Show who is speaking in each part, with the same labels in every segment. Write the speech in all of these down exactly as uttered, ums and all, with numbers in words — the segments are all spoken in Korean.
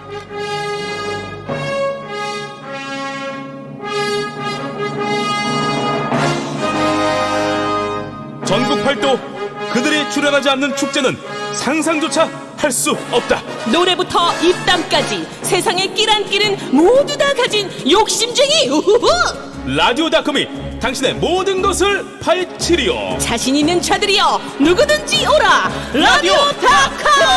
Speaker 1: 전국 팔도 그들이 출연하지 않는 축제는 상상조차 할 수 없다.
Speaker 2: 노래부터 입담까지 세상의 끼란끼는 모두 다 가진 욕심쟁이 우후후!
Speaker 1: 라디오닷컴이 당신의 모든 것을 파헤치리요.
Speaker 2: 자신 있는 자들이여 누구든지 오라 라디오닷컴!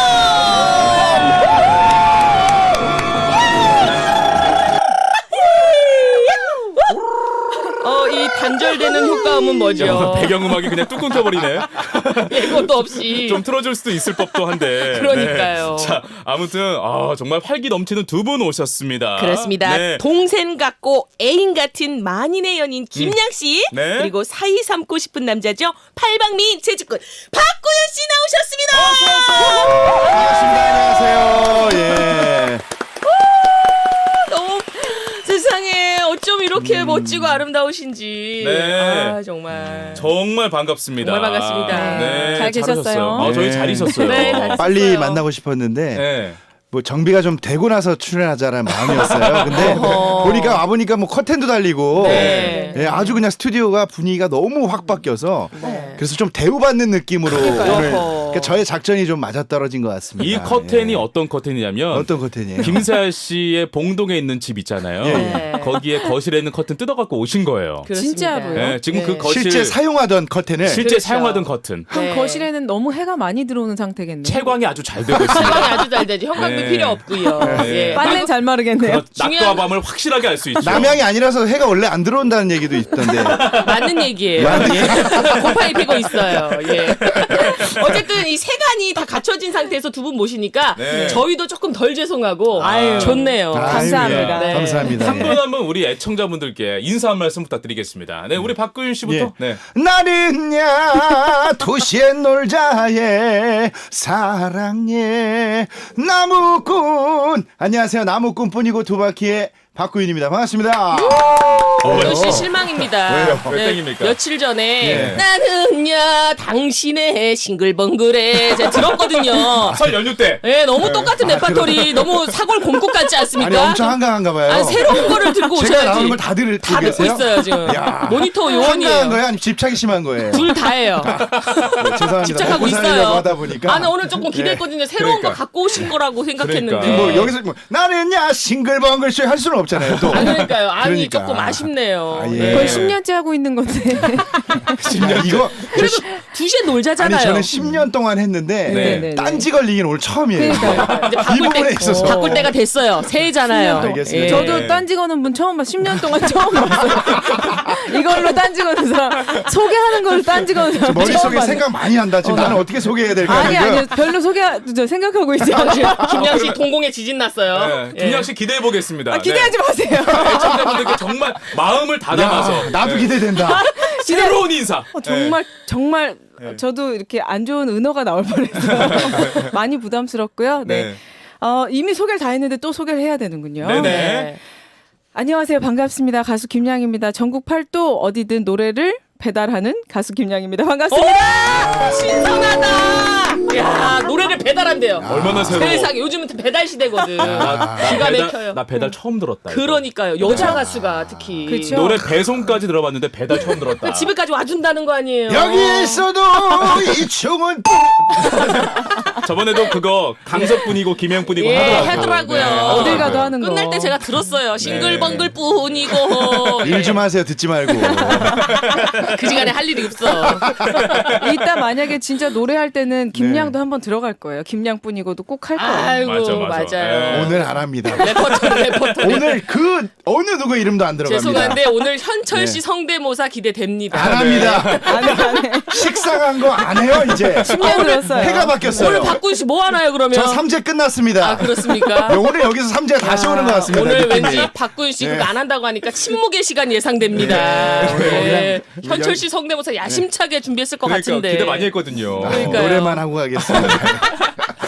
Speaker 2: 어, 이 단절되는 효과음은 뭐죠?
Speaker 1: 배경음악이 그냥 뚝 끊겨버리네.
Speaker 2: 예고도 없이.
Speaker 1: 좀 틀어줄 수도 있을 법도 한데.
Speaker 2: 그러니까요.
Speaker 1: 네. 자, 아무튼 아, 정말 활기 넘치는 두 분 오셨습니다.
Speaker 2: 그렇습니다.
Speaker 1: 네.
Speaker 2: 동생 같고 애인 같은 만인의 연인 김양 씨,
Speaker 1: 네.
Speaker 2: 그리고 사이 삼고 싶은 남자죠. 팔방미인 재주꾼 박구윤 씨 나오셨습니다.
Speaker 3: 반갑습니다. 안녕하세요. 예.
Speaker 2: 너무 세상에 어쩜 이렇게 멋지고 아름다우신지.
Speaker 1: 네.
Speaker 2: 아, 정말.
Speaker 1: 정말 반갑습니다.
Speaker 2: 정말 반갑습니다.
Speaker 1: 네,
Speaker 4: 잘 계셨어요?
Speaker 1: 잘하셨어요. 아, 저희
Speaker 3: 네.
Speaker 1: 잘 있었어요.
Speaker 2: 네, 잘
Speaker 3: 빨리
Speaker 2: 있었어요.
Speaker 3: 만나고 싶었는데
Speaker 1: 네.
Speaker 3: 뭐 정비가 좀 되고 나서 출연하자라는 마음이었어요. 근데
Speaker 2: 어허.
Speaker 3: 보니까 와보니까 뭐 커튼도 달리고
Speaker 2: 네.
Speaker 3: 예, 아주 그냥 스튜디오가 분위기가 너무 확 바뀌어서
Speaker 2: 네.
Speaker 3: 그래서 좀 대우받는 느낌으로
Speaker 2: 그러니까요.
Speaker 3: 오늘
Speaker 2: 어허.
Speaker 3: 그러니까 저의 작전이 좀 맞아떨어진 것 같습니다.
Speaker 1: 이 커튼이
Speaker 3: 예.
Speaker 1: 어떤 커튼이냐면
Speaker 3: 어떤 커튼이에요?
Speaker 1: 김세아 씨의 봉동에 있는 집 있잖아요.
Speaker 3: 예,
Speaker 2: 예.
Speaker 1: 거기에 거실에 있는 커튼 뜯어갖고 오신 거예요.
Speaker 2: 그렇습니다.
Speaker 4: 진짜로요?
Speaker 1: 네, 지금 그
Speaker 2: 네.
Speaker 1: 거실
Speaker 3: 실제 사용하던 커튼을
Speaker 1: 실제
Speaker 2: 그렇죠.
Speaker 1: 사용하던 커튼
Speaker 4: 그럼
Speaker 2: 네.
Speaker 4: 거실에는 너무 해가 많이 들어오는 상태겠네요.
Speaker 1: 채광이 아주 잘 되고 있습니다.
Speaker 2: 사랑이 아주 잘 되죠. 형광도
Speaker 1: 네.
Speaker 2: 필요 없고요.
Speaker 1: 네.
Speaker 2: 예.
Speaker 4: 빨래 잘 마르겠네요.
Speaker 1: 그렇- 낮과
Speaker 2: 중요한-
Speaker 1: 밤을 확실하게 알 수 있죠.
Speaker 3: 남양이 아니라서 해가 원래 안 들어온다는 얘기도 있던데.
Speaker 2: 맞는 얘기예요. 예. 곰팡이 피고 있어요. 예. 어쨌든 이 세간이 다 갖춰진 상태에서 두 분 모시니까
Speaker 1: 네.
Speaker 2: 저희도 조금 덜 죄송하고
Speaker 1: 아유.
Speaker 2: 좋네요.
Speaker 3: 아유,
Speaker 4: 감사합니다.
Speaker 3: 예.
Speaker 2: 네.
Speaker 3: 감사합니다.
Speaker 1: 한
Speaker 3: 예.
Speaker 1: 분 한 분 우리 애청자분들께 인사 한 말씀 부탁드리겠습니다. 네, 우리 박구윤 씨부터.
Speaker 3: 예.
Speaker 1: 네.
Speaker 3: 나는야 도시에 놀자에 사랑해 나무꾼. 안녕하세요, 나무꾼뿐이고 두 바퀴의 박구윤입니다. 반갑습니다.
Speaker 2: 박구윤 씨 실망입니다.
Speaker 3: 왜요?
Speaker 1: 왜 땡깁니까?
Speaker 2: 며칠 전에
Speaker 3: 예.
Speaker 2: 나는야 당신의 싱글벙글에 제가 들었거든요.
Speaker 1: 설 연휴 때.
Speaker 2: 예, 너무 똑같은
Speaker 3: 아,
Speaker 2: 레파토리 너무 사골 곰국 같지 않습니까?
Speaker 3: 아니 엄청 한가한가 봐요.
Speaker 2: 아니, 새로운 거를 들고
Speaker 3: 제가
Speaker 2: 오셔야지.
Speaker 3: 나오는 걸 다 들을
Speaker 2: 다 듣고 있어요 지금.
Speaker 3: 야.
Speaker 2: 모니터
Speaker 3: 한가한
Speaker 2: 요원이에요.
Speaker 3: 거예요? 아니면 집착이 심한 거예요?
Speaker 2: 둘 다예요.
Speaker 3: 네, 죄송합니다.
Speaker 2: 집착하고
Speaker 3: 먹고 살려고
Speaker 2: 있어요.
Speaker 3: 하다 보니까.
Speaker 2: 아, 나 오늘 조금 기대했거든요. 새로운
Speaker 1: 그러니까.
Speaker 2: 거 갖고 오신 거라고 생각했는데.
Speaker 1: 그러니까.
Speaker 3: 뭐 여기서 뭐 나는야 싱글벙글쇼 할 수는 없잖아요. 또.
Speaker 2: 아, 그러니까요. 아니,
Speaker 3: 그러니까.
Speaker 2: 조금 아쉽네요.
Speaker 3: 아, 예.
Speaker 2: 네.
Speaker 4: 거의 십 년째 하고 있는 건데.
Speaker 3: 야, 이거 저 시-
Speaker 2: 두 시에 놀자잖아요.
Speaker 3: 아니 저는 십 년 동안 했는데
Speaker 1: 네.
Speaker 4: 네.
Speaker 3: 딴지 걸리긴 오늘 처음이에요.
Speaker 4: 그러니까요.
Speaker 2: 이제
Speaker 3: 이
Speaker 2: 바꿀
Speaker 3: 부분에
Speaker 2: 때,
Speaker 3: 있어서.
Speaker 2: 바꿀 때가 됐어요. 새해잖아요.
Speaker 3: 알겠습니다.
Speaker 4: 저도
Speaker 1: 네.
Speaker 4: 딴지 거는 분 처음 봐. 십 년 동안 처음 봤어요. 이걸로 딴지 거는 사람. 소개하는 걸로 딴지 거는 사람. 처음
Speaker 3: 머릿속에
Speaker 4: 봤네.
Speaker 3: 생각 많이 한다. 지금
Speaker 4: 어,
Speaker 3: 나는 어떻게 소개해야 될까
Speaker 4: 아니,
Speaker 3: 하는
Speaker 4: 아니요. 별로 소개, 저 생각하고 있지
Speaker 2: 아,
Speaker 4: 않아요.
Speaker 2: 김양 씨 동공에 지진 났어요.
Speaker 1: 네,
Speaker 2: 예.
Speaker 1: 김양 씨 기대해 보겠습니다.
Speaker 4: 아, 기대하지 마세요.
Speaker 1: 네. 애청자분들께 정말 마음을 다 담아서
Speaker 3: 야, 나도
Speaker 1: 네.
Speaker 3: 기대된다.
Speaker 1: 새로운 인사.
Speaker 4: 어, 정말 정말
Speaker 1: 네.
Speaker 4: 저도 이렇게 안 좋은 은어가 나올 뻔했어요. 많이 부담스럽고요. 네.
Speaker 1: 네.
Speaker 4: 어, 이미 소개를 다 했는데 또 소개를 해야 되는군요.
Speaker 1: 네네.
Speaker 2: 네.
Speaker 4: 안녕하세요. 반갑습니다. 가수 김양입니다. 전국 팔도 어디든 노래를 배달하는 가수 김양입니다. 반갑습니다.
Speaker 2: 신선하다. 야, 노래를 배달한대요.
Speaker 1: 얼마나 새로워.
Speaker 2: 세상에 요즘은 배달 시대거든.
Speaker 1: 나, 나
Speaker 2: 기가
Speaker 1: 배달,
Speaker 2: 막혀요.
Speaker 1: 나 배달 처음 들었다. 이거.
Speaker 2: 그러니까요. 여자 가수가 특히
Speaker 4: 그쵸.
Speaker 1: 노래 배송까지 들어봤는데 배달 처음 들었다.
Speaker 2: 집에까지 와준다는 거 아니에요?
Speaker 3: 여기 있어도 이 총은
Speaker 1: 저번에도 그거 강석분이고 김영분이고
Speaker 2: 예,
Speaker 1: 하더라고요.
Speaker 2: 하더라고요.
Speaker 1: 네,
Speaker 4: 어딜 가도
Speaker 1: 하더라고요.
Speaker 4: 하는 거.
Speaker 2: 끝날 때 제가 들었어요. 싱글벙글 뿐이고.
Speaker 3: 일 좀 하세요. 듣지 말고.
Speaker 2: 그 시간에 할 일이 없어.
Speaker 4: 이따 만약에 진짜 노래할 때는 김양도
Speaker 3: 네.
Speaker 4: 한번 들어갈 거예요. 김양뿐이고도 꼭 할 거예요.
Speaker 2: 아이고,
Speaker 1: 맞아, 맞아.
Speaker 2: 맞아요.
Speaker 1: 네.
Speaker 3: 오늘 안 합니다.
Speaker 2: 레퍼토리, 레퍼토리.
Speaker 3: 오늘 그 어느 누구 이름도 안 들어갑니다.
Speaker 2: 죄송한데 오늘 현철 씨
Speaker 3: 네.
Speaker 2: 성대모사 기대됩니다.
Speaker 3: 안 합니다.
Speaker 4: 안 해, 안 해.
Speaker 3: 식상한 거 안 해요 이제.
Speaker 4: 십 년 들었어요.
Speaker 3: 해가 바뀌었어요.
Speaker 2: 오늘 박군 씨 뭐 하나요 그러면?
Speaker 3: 저 삼 제 끝났습니다.
Speaker 2: 아, 그렇습니까?
Speaker 3: 네, 오늘 여기서 삼 제가 다시 오는 것 같습니다.
Speaker 2: 오늘
Speaker 3: 느낌이.
Speaker 2: 왠지 박군 씨
Speaker 3: 네.
Speaker 2: 그거 안 한다고 하니까 침묵의 시간 예상됩니다.
Speaker 3: 네.
Speaker 2: 네.
Speaker 3: 그냥
Speaker 2: 현철 씨 성대모사 야심차게 준비했을 것
Speaker 1: 그러니까
Speaker 2: 같은데.
Speaker 1: 기대 많이 했거든요.
Speaker 3: 아,
Speaker 2: 그러니까요.
Speaker 3: 노래만 하고 가겠습니다.